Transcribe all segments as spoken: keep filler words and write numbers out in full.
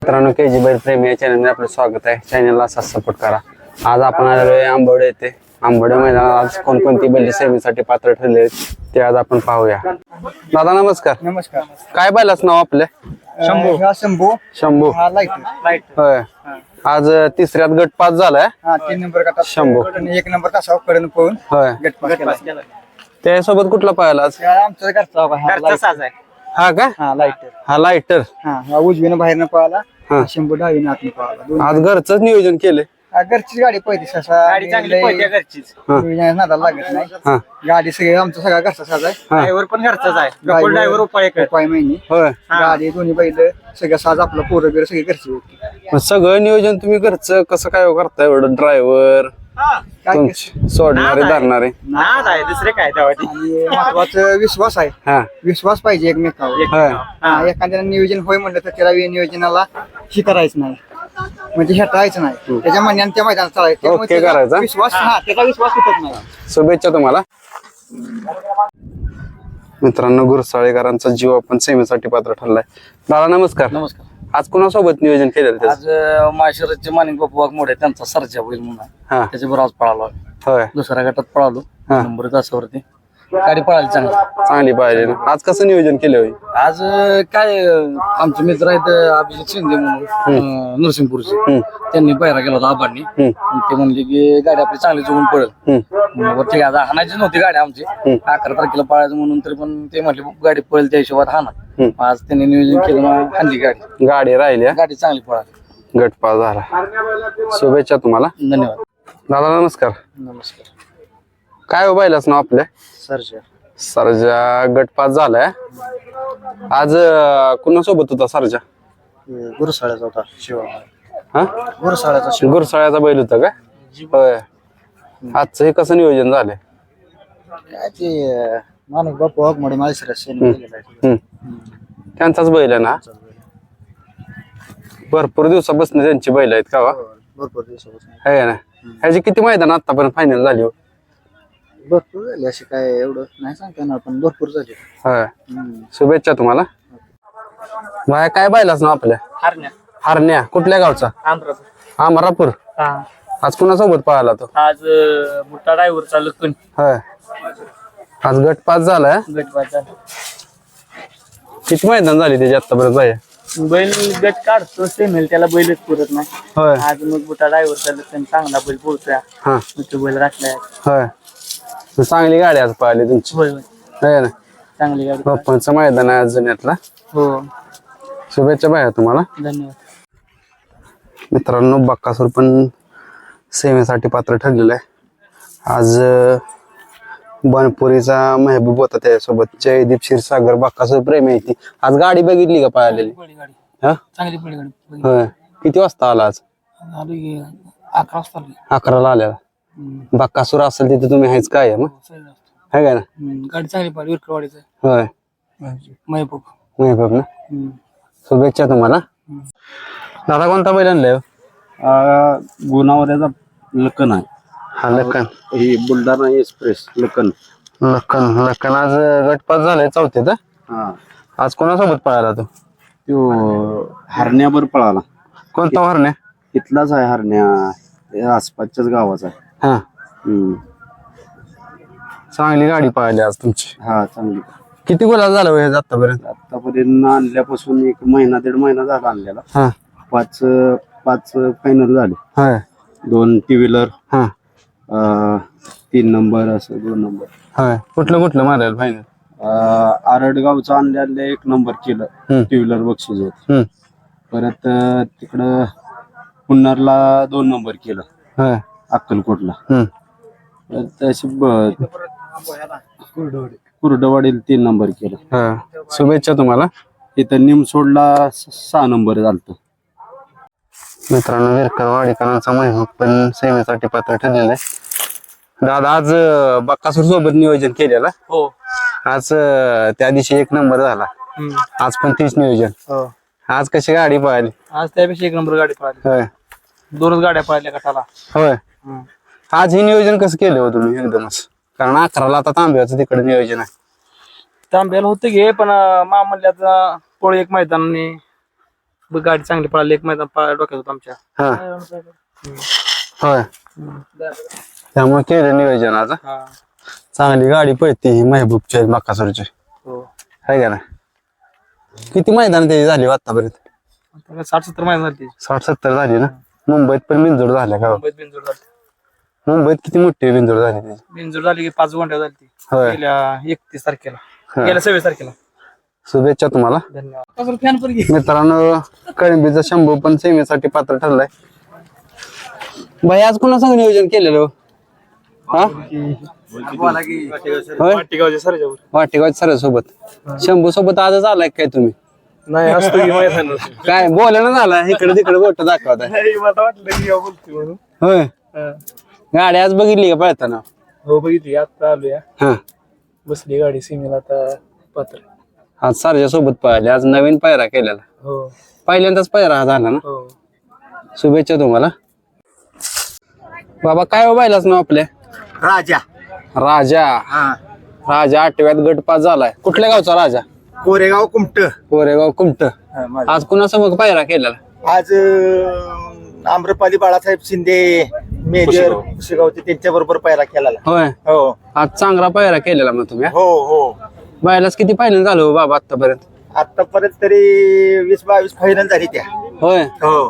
मित्रांनो के जी बैल प्रेमी या चॅनलमध्ये आपलं स्वागत आहे. चॅनलला असाच सपोर्ट करा. आज आपण आलेलो आहे आंबवडे येथे. आंबवडे मैदानात आज कोणकोणती बैल सेमीसाठी पात्र ठरले आहेत ते आज आपण पाहूया. दादा नमस्कार. नमस्कार. काय बैलाच नाव आपले? शंभू. हा शंभू. शंभू. हा लाईट लाईट होय. आज तिसऱ्यात गट पास झालाय. हा तीन नंबर गटात शंभू. एक नंबर तासावर पर्यंत पोहून होय. गट पास केला. त्यासोबत कुठला पाहिला आज? आमचा घरचा घरचा साज आहे. हा का? हा लाईटर. हा लाईटर. हा हा उजवीनं बाहेरनं पळाला. हा. शंभू डावीनं आतनं पळाला. आज घरचंच नियोजन केले. घरचीच गाडी पळते ससा. गाडी चांगली पळते घरचीच. नादाला लागत नाही. हा गाडी सगळी आमचा सगळा घरचा साज आहे. ड्रायव्हर पण घरचाच आहे. ड्रायव्हर उपाय उपाय महिने. होय. गाडी दोन्ही बैल सगळं साज आपलं पोरं बिरं सगळी घरची होती. मग सगळं नियोजन तुम्ही घरचं कसं काय करताय? एवढं ड्रायव्हर तुमची सोडणारे धरणारे आहे दुसरे काय आणि महत्वाचं विश्वास आहे. हा विश्वास पाहिजे एकमेकावर. होय. हा, एखाद्याला नियोजन होय म्हणलं तर त्याला नियोजनाला ही करायचं नाही म्हणजे हेटायचं नाही. त्याच्या म्हणण्याने त्या मैदानात चालायचं. त्यामुळे ओके त्याचा करायचा. विश्वास हा त्याचा विश्वास तुटत नाही. शुभेच्छा तुम्हाला. मित्रांनो गुरसाळेकरांचा जीव आपण सेमीसाठी पात्र ठरलाय. दादा नमस्कार. नमस्कार. आज कोणासोबत नियोजन केलेलं त्याचं? आज माहेश्वरचे मानिक बापू वाघमोडे त्यांचा सरजा होईल म्हणून हा त्याच्याबरोबर आज पळालो आम्ही. होय. दुसऱ्या गटात पळालो हा. नंबर तासावरती गाडी पळाली चांगली. चांगली पाहिजे ना. आज कसं नियोजन केलं होय? आज अं, काय अं, आमचे मित्र आहेत अं, अभिजित शिंदे म्हणून अं, नरसिंहपूरचे. हम्म. त्यांनी पायरा केला होता आबांनी. हम्म. आणि ते म्हणले की गाडी आपली चांगली जगून पडेल. हम्म. मग ठीक आहे आता हाणायची नव्हती गाडी आमची. अकरा तारखेला पळायचं म्हणून तरी पण ते म्हटले गाडी पळेल त्या हिशोबात हाना. हम्म. आज त्यांनी नियोजन केलं मग हाणली गाडी. गाडी राहिली. गाडी चांगली पळाली. गटपास झाला. शुभेच्छा तुम्हाला. धन्यवाद. दादा नमस्कार. नमस्कार. काय हो बैलाच नाव आपल्या? सरजा. सरजा गटपास झालाय. आज अं, कुणासोबत होता सरजा? गुरुसाळ्याचा होता शिवा. हा गुरुसाळ्याचा गुरसाळ्याचा बैल होता का? होय. आजचं हे कसं नियोजन झालंय? काय ते माणूस बापू वाघमोडे माळशिरस हम्म. त्यांचाच बैल आहे ना? भरपूर दिवसापासून त्यांची बैल आहेत का वा? भरपूर दिवसापासून आहे ना. ह्याची किती मैदान आतापर्यंत फायनल झाली हो? भरपूर झाली अशी काय एवढं नाही सांगता येणार पण भरपूर झाली. होय. शुभेच्छा तुम्हाला. बाय काय बैलाच नाव आपल्या? हरण्या. हरण्या. कुठल्या गावचा? आंध्र. अमरापूर. आज कुणासोबत पळाला तो? आज बुट्टा ड्रायव्हर चालू कोण होय. आज गटपास झालाय. गट किती मैदान झाली त्याची आतापर्यंत बाय? बैल गट काढतो सेमेल त्याला बैलच पुरत नाही. होय. आज मग बुटा ड्रायव्हर चालू चांगला बैल पोहोचतोय. हा तो बैल राखलाय. होय. चांगली गाडी आज पळाली तुमची. होय होय आहे ना. चांगली गाडी. पप्पांचं मैदान आहे आज जुन्यातला. हो शुभेच्छा बाया तुम्हाला. धन्यवाद. मित्रांनो बक्कासूर पण सेवेसाठी पात्र ठरलेलं आहे. आज अं, बनपुरीचा महबूब होता त्याच्यासोबत. जयदीप क्षीरसागर बक्कासूर प्रेमी आहे ती. आज गाडी बघितली का पळालेली? गाडी हा चांगली पडली गाडी. होय. किती वाजता आला आज? आली अकरा वाजता आली. अकराला आलेला. बक्कासूर असेल तिथे तुम्ही आहेच काय मग आहे का ना? गाडी चांगली पडली विरकरवाडीचं. होय. महबूब. महबूब ना. शुभेच्छा तुम्हाला. दादा कोणता बैल आणलाय? गुणावऱ्याचा लखन आहे. हा लखन. ही बुलढाणा एक्सप्रेस लखन. लखन लखन आज गटपास झालाय चौथ्यात. हा आज कोणासोबत पळाला तो? तो हरण्यावर पळाला. कोणता हरण्या? इथलाच आहे हरण्या. हे आसपासच्याच गावाचा आहे. हा हम्म. चांगली गाडी पळाली आज तुमची. हा चांगली. किती गुलाल झाला वय आतापर्यंत? आतापर्यंत आणल्यापासून एक महिना दीड महिना झाला आणलेला. हा पाच पाच फायनल झाले. होय. दोन टी व्हीलर, हा तीन नंबर असं दोन नंबर. होय. कुठलं कुठलं मारायला फायनल? आरडगावचं आणलेलं एक नंबर केलं. हम्म. टी व्हीलर बक्षीस होत. हम्म. परत अं, तिकडं पुन्नरला दोन नंबर केलं. होय. अक्कलकोटला. हम्म. परत अशी ब- कुर्डवाडीला तीन नंबर केलं. हा. शुभेच्छा तुम्हाला. इथं निमसोडला स- सहा नंबर झालत. मित्रांनो विरकरवाडीकरांचा महबूब पण सेवेसाठी पात्र ठरलेला आहे. दादा आज अं, बक्कासूर सोबत नियोजन केलेलं. हो आज अं, त्या दिवशी एक नंबर झाला. आज पण तीच नियोजन. हो आज कशी गाडी पळाली? आज त्यापेक्षा एक नंबर गाडी पळाली. होय. दोनच गाड्या पळाल्या गटाला. होय. आज हे नियोजन कसं केलं हो तुम्ही एकदमच? कारण अकराला आता तांब्याचं तिकडे नियोजन आहे. तांब्याला होतं घे पण मा म्हणल्यात पोळ एक मैदानाने ब- गाडी चांगली पळाली, एक मैदान पळायला डोक्यात होतं आमच्या. हा होय त्यामुळे केलं नियोजन आता. हा चांगली गाडी पळते ही महबूबच्या बाकासूरची हो. आहे का ना. किती मैदान त्याची झाली हो आतापर्यंत? आता साठ सत्तर मैदान झाली. साठ सत्तर झाली ना. मुंबईत पण बिनजोड झाल्या का? मुंबईत बिनजोड झाली. मुंबईत किती मोठी बिनजोड झाली त्याची? बिनजोड झाली की पाच गोंड्या झाली ती. होय. गेल्या एकतीस तारखेला, हा. गेल्या सव्वीस तारखेला. शुभेच्छा तुम्हाला. धन्यवाद. फॅन पण घे. मित्रांनो कळंबीचा शंभू पण सेमीसाठी पात्र ठरलाय. भाई आज कुणा संग नियोजन केलेलं हो? हा होय वाटेगावच्या सरजावर. वाटेगाव सर सोबत शंभू सोबत आजच आलाय काय तुम्ही? नाही असतो की मैदान. काय बोलायला झाला इकडे तिकडे बोट दाखवताय. मला वाटलं की यावं बोलतोय म्हणून. होय हा. गाडी आज बघितली का पळताना? हो बघितली, आता आलोया. हा बसली गाडी सीमेला आता पात्र. आज सरच्या सोबत पळाली. आज नवीन पायरा केलेला. हो पहिल्यांदाच पायरा हा झाला ना. हो. शुभेच्छा तुम्हाला. बाबा काय हो बायलाच नाव आपल्या? राजा राजा. हा राजा आठव्यात गट पास झालाय. कुठल्या गावचा राजा? कोरेगाव कुमट. कोरेगाव कुमट. आज कुणासमोर पायरा केलेला? आज अं, आम्रपाली बाळासाहेब शिंदे मेजर कुशेगावचे त्यांच्या बरोबर पायरा केला. होय हो आज चांगला पायरा केलेला मग तुम्ही. हो हो बायलाच किती फायनल झालो हो बाबा आतापर्यंत? आतापर्यंत तरी वीस बावीस फायनल झाली त्या. होय हो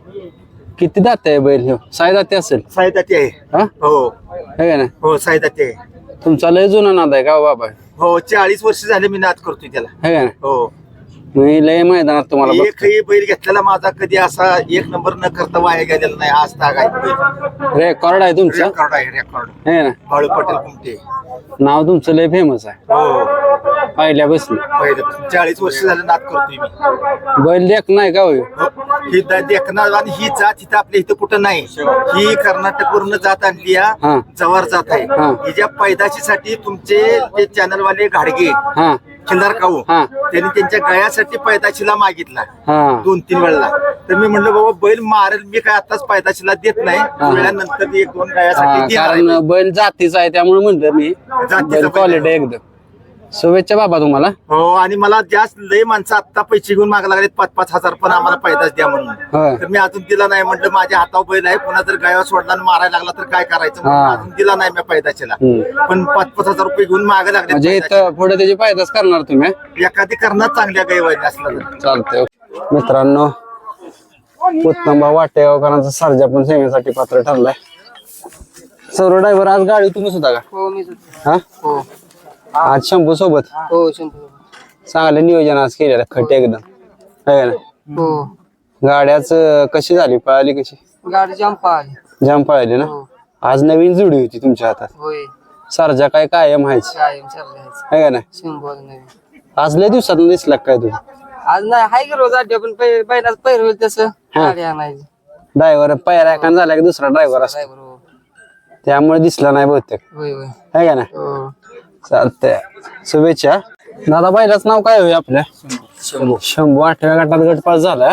किती दाते आहे बैल ह्यो? साई दाते असेल साईदाती आहे. हा हो है का ना. हो साईदाती आहे. तुमचा लय जुना नाद आहे का हो बाबा? हो चाळीस वर्ष झाले मी नाद करतोय त्याला. है का ना. हो मी लय मैदानात तुम्हाला बघतो. एकही बैल घेतलेला माझा कधी असा एक नंबर न करता वाया गेलेला नाही. आज ताग आहे. रेकॉर्ड आहे तुमचं. रेकॉर्ड आहे रेकॉर्ड. है ना. बाळू पटेल कुमटे. नाव तुमचं लय फेमस आहे हो पहिल्या बसलं. पहिले चाळीस वर्ष झाले नाद करतोय मी. बैल देख नाही का हो ह्यो? ही द- देखणार आणि ही जात इथं आपल्या इथं कुठं नाही. ही कर्नाटक वरून जात आणली हा. आहे. जवार जात आहे. हा. हिच्या पैदाशीसाठी तुमचे ते चॅनल वाले घाडगे हा खिल्लार काऊ हा. त्यांनी त्यांच्या गळ्यासाठी पैदाशीला मागितला हा दोन तीन वेळेला. तर मी म्हणलं बाबा बैल मारेल मी काय आताच पैदाशीला देत नाही. वेळानंतर एक दोन गळ्यासाठी हा, देणार आहे. कारण बैल जातीचा आहे त्यामुळे म्हणलं मी. जातीचा बैल बैल क्वालिटी आहे. एकदम. शुभेच्छा बाबा तुम्हाला. हो आणि मला जास्त लय माणसं आता पैसे घेऊन मागा लागले पाच पाच हजार पण आम्हाला पैदाच द्या म्हणून. होय. तर मी अजून दिला नाही. म्हटलं माझ्या हातावर बैल आहे. पुन्हा जर गायवा सोडला आणि मारायला लागला तर काय करायचं म्हणून हा. अजून दिला नाही मी पैदाशीला. हम्म. पण पाच पाच हजार रुपये घेऊन मागे म्हणजे लागले. इथं पुढे त्याची फायदाच करणार तुम्ही. एखादी करणार चांगल्या गायवाने असला तर. चालतंय. मित्रांनो उत्तमबा वाटेगावकरांचा सर्जा पण सेवेसाठी पात्र ठरलाय. सर्व ड्रायव्हर आज गाडी तुम्हीच होता का? हो मी हा हो आज शंभू सोबत हो शंभू. चांगलं नियोजन आज केलेलं खट एकदम आहे ना. हो गाड्याच कशी झाली पळाली कशी? गाडी जाम पाहिली. जाम पळाली ना. आज नवीन जुडी होती तुमच्या हातात. होय सरजा काय कायम व्हायची कायम चाललंय. आहे का नाही. शंभू नाही आज लय दिवसात दिसला काय तुम्ही? आज नाही हाय की रोज आठ पण पहिलाच पैर होईल तसं हा. गाडी आणायची. ड्रायव्हर पायरा एखादा झाला की दुसरा ड्रायव्हर असतो ड्रायव्हर हो. त्यामुळे दिसला नाही बहुतेक होय होय आहे का नाही. हो. चालतंय शुभेच्छा. दादा बैलाच नाव काय होईल आपल्या? शंभू. शंभू आठव्या गटात गट पास झाला.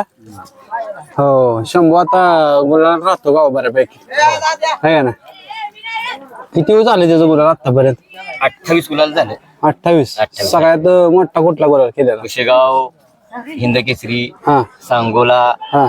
हो शंभू आता गुलाल राहतो गाव बऱ्यापैकी आहे का ना. किती दिवस झाले त्याचं गुलाल आतापर्यंत? अठ्ठावीस गुलाल झाले. अठ्ठावीस. अठ्ठावीस. सगळ्यात मोठा कुठला गुलाल केलेला? कुशेगाव, हिंद केसरी, हा सांगोला, हा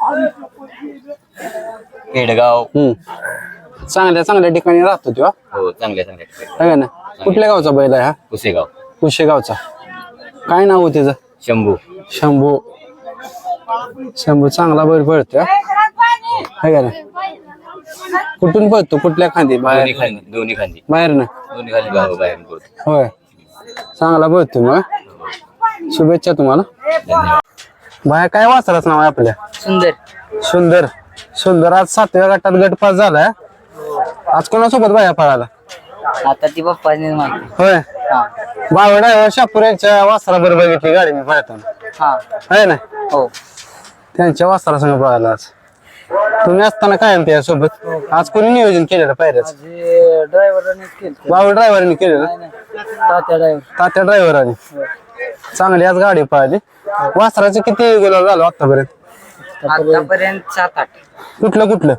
पेडगाव. हम्म चांगल्या चांगल्या ठिकाणी राहतो तो हो चांगल्या चांगल्या ठिकाणी. आहे का ना. कुठल्या गावचा बैल आहे हा? कुशेगाव. कुशेगावचा. काय नाव आहे त्याचं? शंभू. शंभू. शंभू चांगला बैल पळतो आहे का ना. कुठून पळतो कुठल्या खांदी? दोन्ही बाहेर खांदी दोन्ही खांदी बाहेर ना. दोन्ही खांदी बाहेर बाहेर बोलतो. होय चांगला पळतो मग. शुभेच्छा तुम्हाला. बाहेर काय वाचलाच नाव आहे आपल्या? सुंदर. सुंदर. सुंदर आज सातव्या गटात गट पास झालाय. आज कोणासोबत बाया पळाला? आता ती बाप्पाने माहिती. होय बावडा शापूर यांच्या वासरा बरोबर बघितली गाडी मी पळताना हा आहे ना. हो त्यांच्या वासरा संग पळाला आज. तुम्ही असताना कायम त्यासोबत. आज कोणी नियोजन केलेलं पायऱ्याच? ड्रायव्हरने केलं. बावड ड्रायव्हरने केलेलं. तात्या ड्रायव्हर. तात्या ड्रायव्हराने. चांगली आज गाडी पळाली. वासराचे किती गुलाल झालो आतापर्यंत? आतापर्यंत सात आठ. कुठलं कुठलं?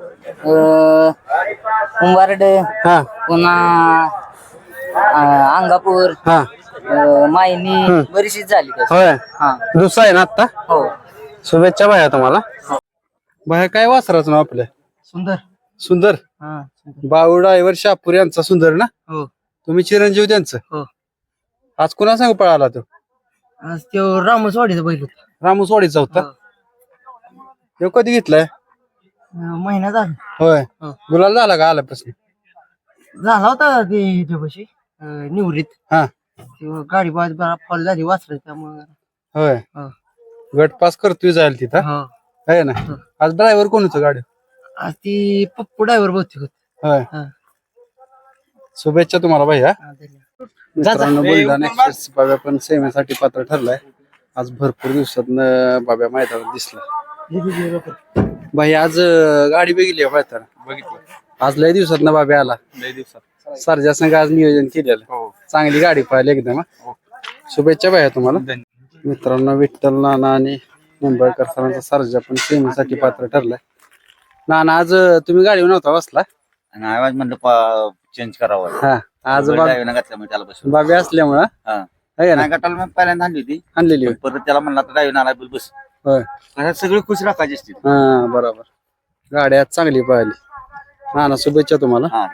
कुंभारड हा पुन्हा अं, अंगापूर हा अं, मायनी बरीचशीच झाली तशी. होय हा दुसरा आहे ना आता. हो शुभेच्छा भाया तुम्हाला. भाया काय वासराच नाव आपल्या? सुंदर. सुंदर. हा बाळू ड्रायव्हर शापूर यांचा सुंदर ना? हो. तुम्ही चिरंजीव त्यांचं? हो. आज कुणा सांग पळाला तो? आज तो रामसवाडीचा बैल होता. रामूसवाडीचा होता. तो कधी घेतलाय? महिना झाला. होय. हो. गुलाल झाला का आल्यापासून? झाला होता ते ह्याच्यापाशी निवृत्त. हा. तेव्हा गाडी बाज फॉल झाली वाचलं त्यामुळे. होय. हो. गट पास करतोय जायला तिथं हो. आहे ना? आज ड्रायव्हर कोण होतं गाडी? आज ती पप्पू ड्रायव्हर बहुतेक होत. होय. हा. शुभेच्छा तुम्हाला भैया. हा, धन्यवाद. मित्रांनो बुलढाणा एक्सप्रेस बाब्या पण सेवेसाठी पात्र ठरलाय. आज भरपूर दिवसात बाब्या मैदानात दिसला. भाई आज अं, गाडी बघितली मैदान बघितलं आज लय दिवसात ना बाब्या आला. लय दिवसात. सरजा संघ आज नियोजन केलेलं. हो. चांगली गाडी पाहिली एकदम. हा. शुभेच्छा भैया तुम्हाला. मित्रांनो विठ्ठल नाना आणि मुंबईकर सरांचा सरजा पण सेवेसाठी पात्र ठरलाय. नाना आज अं, तुम्ही गाडीवर नव्हता बसला? आणि आवाज म्हणलं चेंज करावं हा. आज बैल बाब- डावीनं घातल्यामुळे त्याला बसवलं. बाब्या असल्यामुळं हा. आहे ना नाही गटाला मग पहिल्यांदा आणली होती आणलेली होय. परत त्याला म्हणला तर डावीनं आला बैल बस होय. आता सगळे खुश राखायचे असतील. हा बरोबर. गाडी आज चांगली पाहिली. नाना शुभेच्छा तुम्हाला. हा